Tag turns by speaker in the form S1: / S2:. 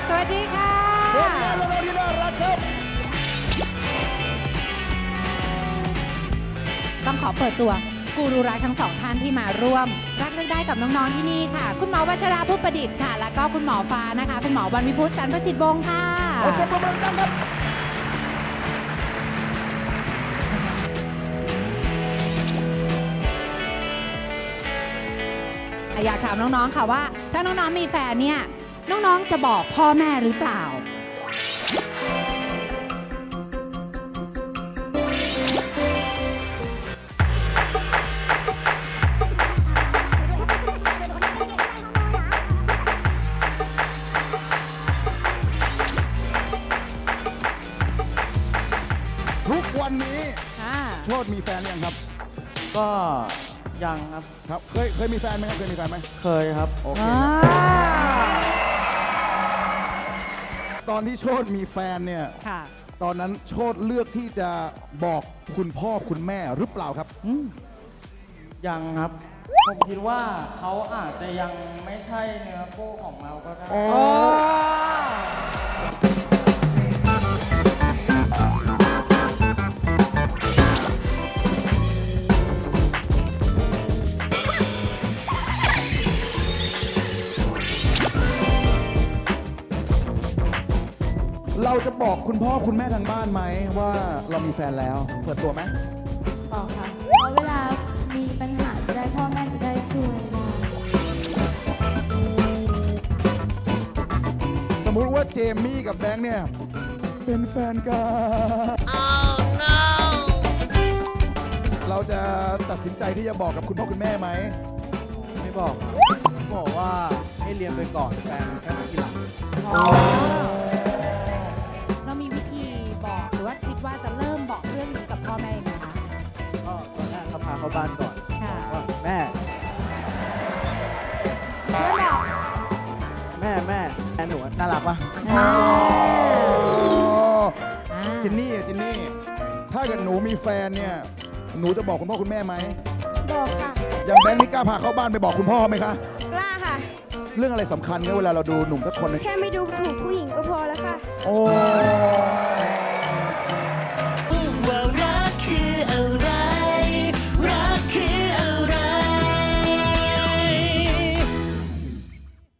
S1: สวัสดีค่ะ
S2: สวัสดีน้องๆที่น่ารักครับ
S1: ต้องขอเปิดตัวกูรูรักทั้งสองท่านที่มาร่วมรักเลือกได้กับน้องๆที่นี่ค่ะคุณหมอวัชราผู้ประดิษฐ์ค่ะแล้วก็คุณหมอฟ้านะคะคุณหมอวันวิพุฒน์สันประสิทธิ์วงศ์ค่ะ
S2: ขอเสียงปรบมือดังครับ
S1: อยากถามน้องๆค่ะว่าถ้าน้องๆมีแฟนเนี่ยน้องๆจะบอกพ่อแม่หรือเปล่า
S2: ทุกวันนี้โชติมีแฟนหรือยังครับ
S3: ก็ยังครับ
S2: ครับเคยมีแฟนไหมครับเคยมีแฟนไหม
S3: เคยครับ
S2: โอเคตอนที่โชติมีแฟนเนี่ยตอนนั้นโชติเลือกที่จะบอกคุณพ่อคุณแม่หรือเปล่าครับ
S3: ยังครับผมคิดว่าเขาอาจจะยังไม่ใช่เนื้อคู่ของเราก็ได้
S2: เราจะบอกคุณพ่อคุณแม่ทางบ้านไหมว่าเรามีแฟนแล้วเปิดตัวไหม
S4: บอกค่ะเพราะเวลามีปัญหาจะได้พ่อแม่จะได้ช่วยได้
S2: สมมุติว่าเจมี่กับแบงค์เนี่ยเป็นแฟนกัน oh, no. เราจะตัดสินใจที่จะบอกกับคุณพ่อคุณแม่ไหม
S3: ไม่บอกบอกว่าให้เรียนไปก่อนแฟนแค่มาทีหลัง
S1: เรามีวิธีบอกหรือว่าคิดว่าจะเริ่มบอกเรื่องนี้กับพ่อแม่ยังไงคะ
S3: ก็ตอนแรกเขาพาเข้าบ้านก่อนว่าแม่แฟนหนูน่ารักปะ
S2: จินนี่ถ้าเกิดหนูมีแฟนเนี่ยหนูจะบอกคุณพ่อคุณแม่ไหม
S4: บอกค่ะ
S2: อย่างแบงค์นี่กล้าพาเข้าบ้านไปบอกคุณพ่อไหมคะ
S4: กล้าค่ะ
S2: เรื่องอะไรสำคัญเนี่ยเวลาเราดูหนุ่มสักคน
S4: แค่ไม่ดูถูกผู้หญิงก็พอแล้วค่ะ
S2: โอ้